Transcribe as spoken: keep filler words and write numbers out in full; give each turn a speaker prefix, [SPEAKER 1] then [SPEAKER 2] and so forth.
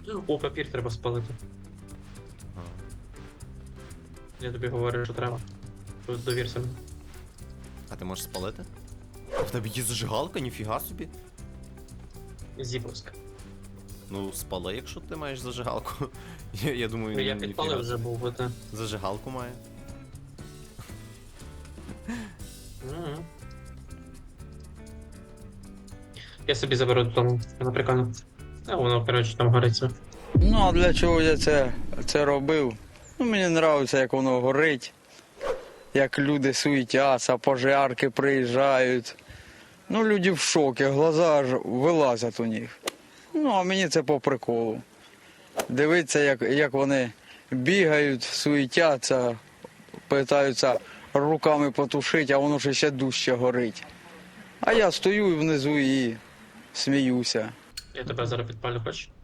[SPEAKER 1] О, папір треба спалити.
[SPEAKER 2] Ага.
[SPEAKER 1] Я тобі говорю, що треба. Тут довірся мені.
[SPEAKER 2] А ти можеш спалити? В тебе є зажигалка, ніфіга собі.
[SPEAKER 1] Зіповська.
[SPEAKER 2] Ну, спали, якщо ти маєш зажигалку. Я, я думаю,
[SPEAKER 1] Ну, я
[SPEAKER 2] ніфіга
[SPEAKER 1] підпалив вже
[SPEAKER 2] собі.
[SPEAKER 1] був, бо те.
[SPEAKER 2] Зажигалку має.
[SPEAKER 1] Мгм. Я собі заберу додому, воно прикольно. А воно, коротше, там гориться.
[SPEAKER 3] Ну, а для чого я це, це робив? Ну, мені подобається, як воно горить, як люди суетяться, пожарки приїжджають. Ну, люди в шокі, глаза аж вилазять у них. Ну, а мені це по приколу. Дивитися, як, як вони бігають, суетяться, питаються руками потушити, а воно ж ще дужче горить. А я стою внизу і сміюся.
[SPEAKER 1] Я тебе зараз підпалю, хочеш?